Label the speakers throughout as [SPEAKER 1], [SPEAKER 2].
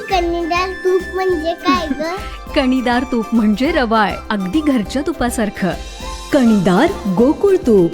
[SPEAKER 1] कणीदार तूप म्हणजे काय ग?
[SPEAKER 2] कणीदार तूप म्हणजे रवाळ, अगदी घरच्या तुपासारखं.
[SPEAKER 3] कणीदार गोकुळ तूप.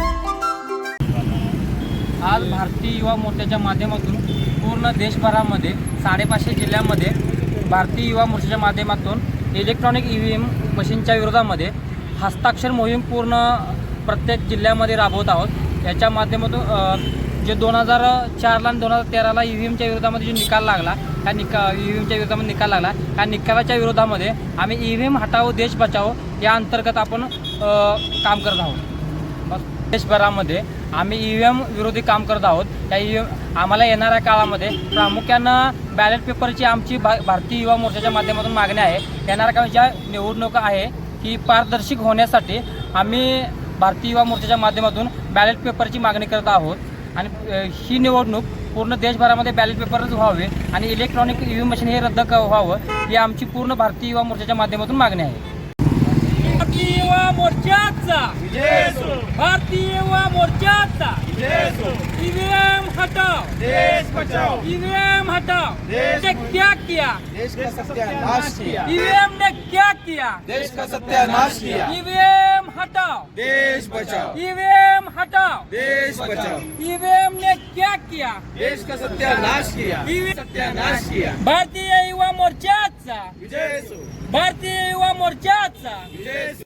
[SPEAKER 4] आज भारतीय युवा मोर्चाच्या माध्यमातून पूर्ण देशभरामध्ये 550 जिल्ह्यांमध्ये भारतीय युवा मोर्चाच्या माध्यमातून इलेक्ट्रॉनिक EVM मशीनच्या विरोधामध्ये हस्ताक्षर मोहीम पूर्ण प्रत्येक जिल्ह्यामध्ये राबवत आहोत. याच्या माध्यमातून जे 2004ला आणि 2013ला EVMच्या विरोधामध्ये जो निकाल लागला, त्या EVMच्या विरोधामध्ये निकाल लागला, त्या निकालाच्या विरोधामध्ये आम्ही EVM हटाओ देश बचाओ या अंतर्गत आपण काम करत आहोत. देशभरामध्ये आम्ही EVM विरोधी काम करत आहोत. त्या आम्हाला येणाऱ्या काळामध्ये प्रामुख्यानं बॅलेट पेपरची आमची भारतीय युवा मोर्चाच्या माध्यमातून मागणी आहे. येणाऱ्या काळात ज्या निवडणुका आहे की पारदर्शक होण्यासाठी आम्ही भारतीय युवा मोर्चाच्या माध्यमातून बॅलेट पेपरची मागणी करत आहोत. आणि ही निवडणूक पूर्ण देशभरामध्ये बॅलेट पेपरच व्हावे आणि इलेक्ट्रॉनिक EVM मशीन हे रद्द व्हावं ही आमची पूर्ण भारतीय युवा मोर्चाच्या माध्यमातून मागणी आहे.
[SPEAKER 5] भारतीय युवा मोर्चाचा भारतीय युवा मोर्चाचा EVM हटाओ देश बचाओ. EVM हटाओ ने क्या किया?
[SPEAKER 6] देश का सत्यानाश किया.
[SPEAKER 5] EVM ने क्या किया?
[SPEAKER 6] देश का सत्यानाश किया.
[SPEAKER 5] EVM हटाओ
[SPEAKER 6] देश बचाओ.
[SPEAKER 5] EVM हटाओ
[SPEAKER 6] देश बचाओ.
[SPEAKER 5] EVM ने क्या किया?
[SPEAKER 6] देश का सत्यानाश किया. सत्यानाश किया.
[SPEAKER 5] भारतीय युवा मोर्चाचा
[SPEAKER 6] विजय असो.
[SPEAKER 5] भारतीय युवा मोर्चाचा
[SPEAKER 6] विजय असो.